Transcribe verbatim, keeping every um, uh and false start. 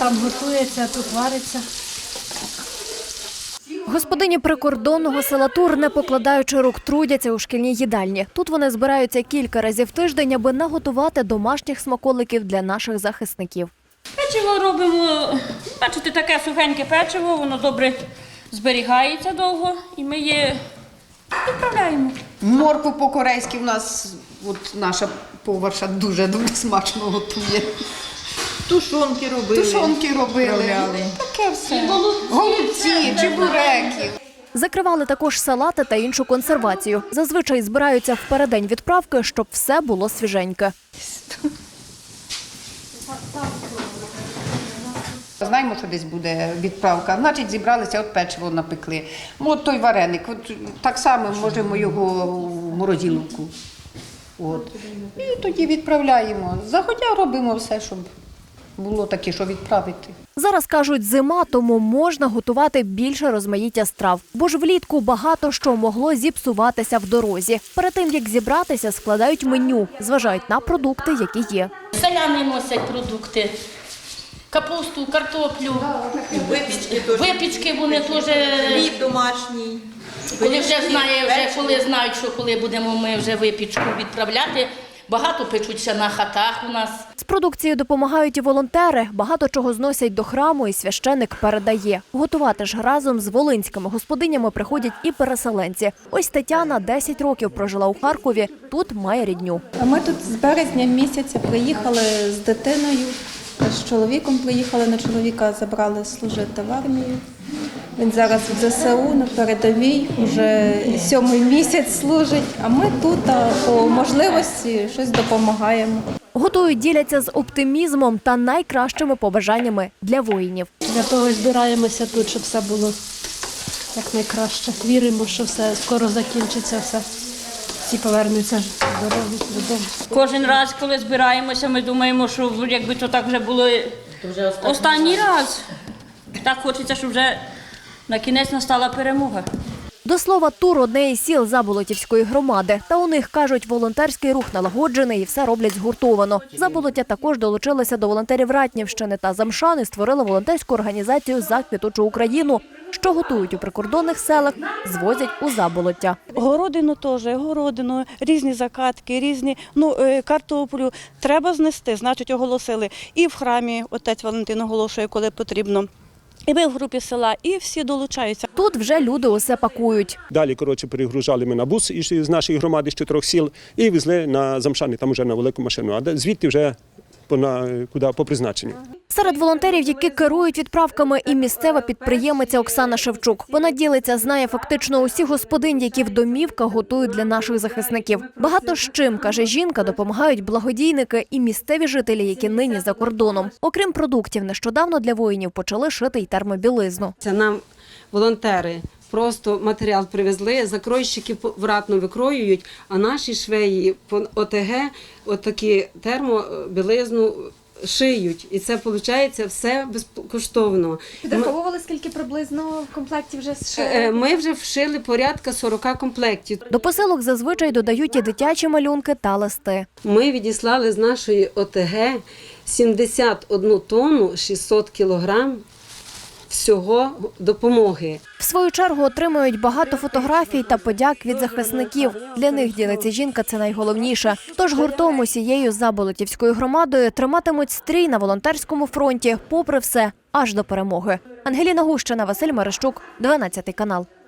там готується, тут вариться. Господині прикордонного села Тур, не покладаючи рук, трудяться у шкільній їдальні. Тут вони збираються кілька разів в тиждень, аби наготувати домашніх смаколиків для наших захисників. Печиво робимо, бачите, таке сухеньке печиво, воно добре зберігається довго і ми її відправляємо. Моркву по-корейськи в нас, от наша поварша дуже-дуже смачно готує. Тушонки робили. Тушонки робили. Таке все. Голубці, чебуреки. Закривали також салати та іншу консервацію. Зазвичай збираються впередень відправки, щоб все було свіженьке. Знаємо, що десь буде відправка, значить зібралися, от печиво напекли. От той вареник, от так само можемо його в морозиловку. От. І тоді відправляємо. Заходя робимо все, щоб було таке, що відправити. Зараз, кажуть, зима, тому можна готувати більше розмаїття страв. Бо ж влітку багато що могло зіпсуватися в дорозі. Перед тим, як зібратися, складають меню, зважають на продукти, які є. Селяни носять продукти. Капусту, картоплю, Випічки теж. випічки вони теж, Хліб домашній. коли вже знає, вже коли знають, що коли будемо ми вже випічку відправляти, багато печуться на хатах у нас. З продукцією допомагають і волонтери. Багато чого зносять до храму, і священик передає. Готувати ж разом з волинськими господинями приходять і переселенці. Ось Тетяна десять років прожила у Харкові, тут має рідню. А ми тут з березня місяця приїхали з дитиною, з чоловіком приїхали, на чоловіка забрали служити в армію. Він зараз в зе се у на передовій, вже сьомий місяць служить, а ми тут а по можливості щось допомагаємо. Готують, діляться з оптимізмом та найкращими побажаннями для воїнів. Для того і збираємося тут, щоб все було якнайкраще. Віримо, що все скоро закінчиться, все. Всі повернуться здорові додому. Кожен раз, коли збираємося, ми думаємо, що якби то так вже було останній раз. Так хочеться, щоб вже на кінець настала перемога. До слова, Тур – одне із сіл Заболотівської громади. Та у них, кажуть, волонтерський рух налагоджений і все роблять згуртовано. Заболоття також долучилися до волонтерів Ратнівщини та Замшан і створили волонтерську організацію «За квітучу Україну», що готують у прикордонних селах, звозять у Заболоття. Городину теж, городину, різні закатки, різні, ну, картоплю треба знести, значить оголосили. І в храмі отець Валентин оголошує, коли потрібно. І ми в групі села, і всі долучаються. Тут вже люди усе пакують. Далі, коротше, перегружали ми на бус із нашої громади з чотирьох сіл і везли на Замшани, там вже на велику машину, а звідти вже по, на, куди, по призначенню. Серед волонтерів, які керують відправками, і місцева підприємиця Оксана Шевчук. Вона ділиться, знає фактично усіх господинь, які в домівках готують для наших захисників. Багато з чим, каже жінка, допомагають благодійники і місцеві жителі, які нині за кордоном. Окрім продуктів, нещодавно для воїнів почали шити й термобілизну. Це нам волонтери просто матеріал привезли, закройщики в Ратно викроюють, а наші швеї по о те ге отакі термобілизну шиють. І це, виходить, все безкоштовно. Підраховували, скільки приблизно в комплекті вже зшили? Ми вже вшили порядка сорока комплектів. До посилок зазвичай додають і дитячі малюнки та листи. Ми відіслали з нашої о те ге сімдесят одну тонну шістсот кілограм всього допомоги. В свою чергу отримують багато фотографій та подяк від захисників. Для них, ділиться жінка, це найголовніше. Тож гуртом усією Заболотівською громадою триматимуть стрій на волонтерському фронті, попри все, аж до перемоги. Ангеліна Гущина, Василь Мерещук, дванадцятий канал.